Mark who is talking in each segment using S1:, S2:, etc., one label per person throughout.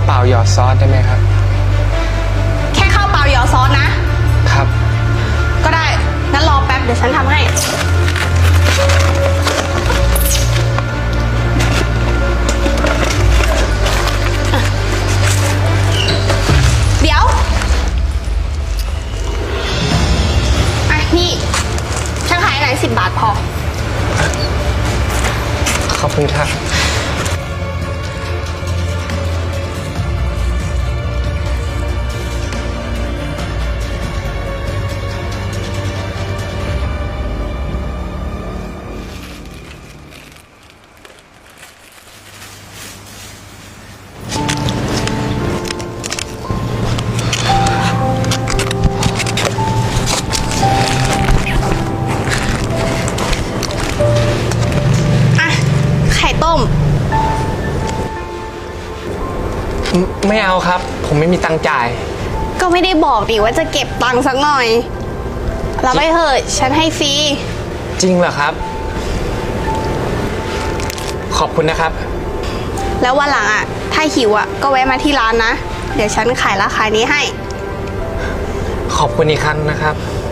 S1: เปล่าหยอดซอสได้ไหมครับ
S2: แค่ข้าวเปล่าหยอดซอสนะครับก็ได้งั้นรอแป๊บเดี๋ยวฉันทำให้เดี๋ยวนี่ฉันขายไหน10 บาทพอ
S1: ขอบคุณครับ
S2: ไข่ต้ม
S1: ไม่เอาครับผมไม่มีตังค์จ่าย
S2: ก็ไม่ได้บอกดิว่าจะเก็บตังค์สักหน่อยรับไปเถอะฉันให้ฟรี
S1: จริงเหรอครับขอบคุณนะครับ
S2: แล้ววันหลังอ่ะถ้าหิวอ่ะก็แวะมาที่ร้านนะเดี๋ยวฉันขายราคานี้ให้
S1: ขอบคุณอีกครั้งนะครับ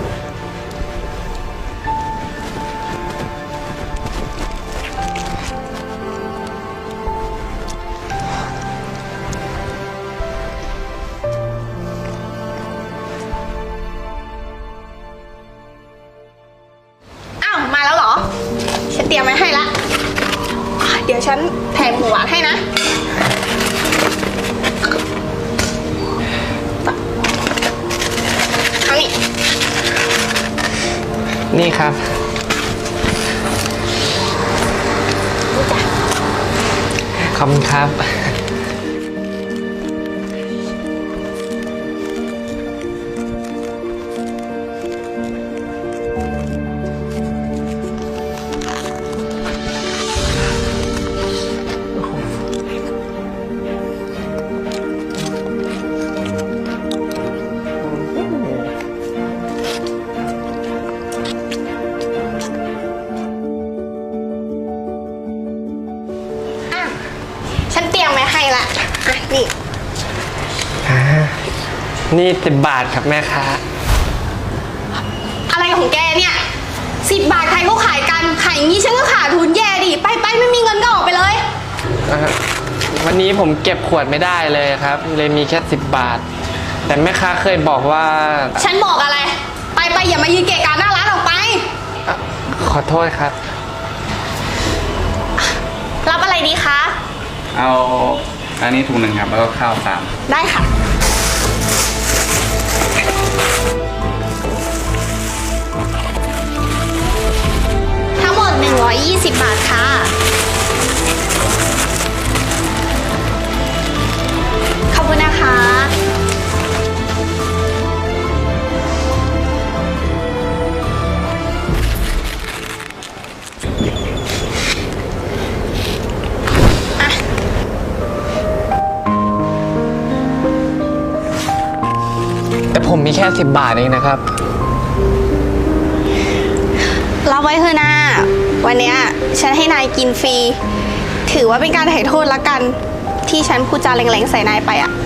S2: มาแล้วเหรอฉันเตรียมไว้ให้ละเดี๋ยวฉันแถมหมูหวานให้นะเอา
S1: นี่ครับขอบคุณครับ
S2: ฉันเตรียมไว้ให้ละนี่
S1: นี่10 บาทครับแม่ค้า
S2: อะไรของแกเนี่ย10 บาทใครก็ขายกันขายอย่างนี้ฉันก็ขาดทุนแย่ดิไปไม่มีเงินก็ออกไปเลย
S1: วันนี้ผมเก็บขวดไม่ได้เลยครับเลยมีแค่10 บาทแต่แม่ค้าเคยบอกว่า
S2: ฉันบอกอะไรไปอย่ามายืนเกะกะหน้าร้านออกไป
S1: ขอโทษครับ
S2: รับอะไรดีคะ
S3: เอาอันนี้ถุงหนึ่งครับแล้วก็ข้าว3
S2: ได้ค่ะทั้งหมด120 บาทค่ะขอบคุณนะคะ
S1: แต่ผมมีแค่10 บาทเองนะครับ
S2: รับไว้เถอะนะวันนี้ฉันให้นายกินฟรีถือว่าเป็นการไถ่โทษละกันที่ฉันพูดจาแรงๆใส่นายไปอ่ะ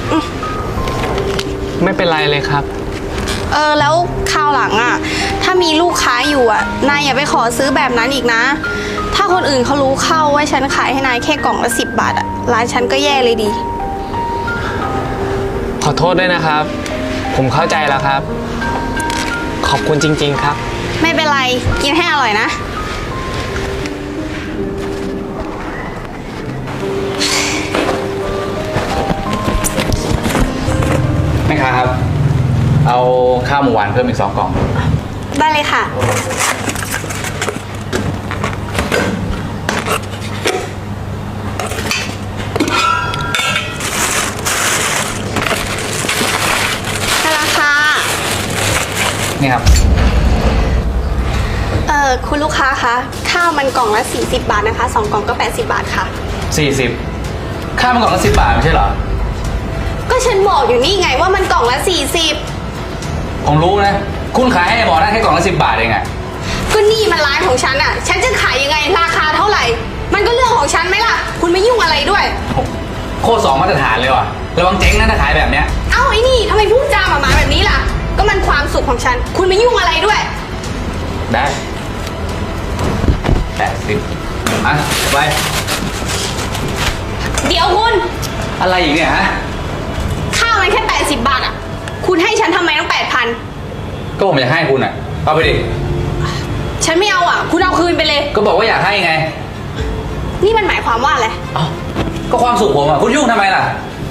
S1: ไม่เป็นไรเลยครับ
S2: แล้วคราวหลังอ่ะถ้ามีลูกค้าอยู่อ่ะนายอย่าไปขอซื้อแบบนั้นอีกนะถ้าคนอื่นเขารู้เข้าว่าฉันขายให้นายแค่กล่องละ10 บาทอ่ะร้านฉันก็แย่เลยดี
S1: ขอโทษด้วยนะครับผมเข้าใจแล้วครับขอบคุณจริงๆครับ
S2: ไม่เป็นไรกินให้อร่อยนะ
S3: แม่ค้าครับเอาข้าวหมูหวานเพิ่มอีก2 กล่อง
S2: ได้เลยค่ะ
S3: นี่ครับ
S2: คุณลูกค้าคะข้าวมันกล่องละ40 บาทนะคะ2 กล่องก็80 บาทค่ะ
S3: 40ข้าวมันกล่องละ10 บาทไม่ใช่เหรอ
S2: ก็ฉันบอกอยู่นี่ไงว่ามันกล่องละ40
S3: ผมรู้นะคุณขายให้หมอได้แค่กล่องละ10 บาทเองอะ
S2: ก็นี่มันร้านของฉันอะฉันจะขายยังไงราคาเท่าไหร่มันก็เรื่องของฉันไหมล่ะคุณไม่ยุ่งอะไรด้วย
S3: โคตรสองมาตรฐานเลยว่ะ ระวังเจ๊งนะถ้าขายแบบเนี้ย
S2: เอ้าไอ้นี่ทำไมพูดจาหมาๆแบบนี้ล่ะ ก็มันความสุขของฉัน คุณไม่ยุ่งอะไรด้วย
S3: ได้80อ่ะไป
S2: เดี๋ยวคุณ
S3: อะไรอีกเนี่ยฮะ
S2: ข้าวมันแค่80 บาทอ่ะ คุณให้ฉันทำไมต้อง8,000
S3: ก็ผมอยากให้คุณอ่ะ เอาไปดิ
S2: ฉันไม่เอาอ่ะ คุณเอาคืนไปเลย
S3: ก็บอกว่าอยากให้ไง
S2: นี่มันหมายความว่าอะไร
S3: เอ้าก็ความสุขผมอ่ะ คุณยุ่งทำไมล่ะ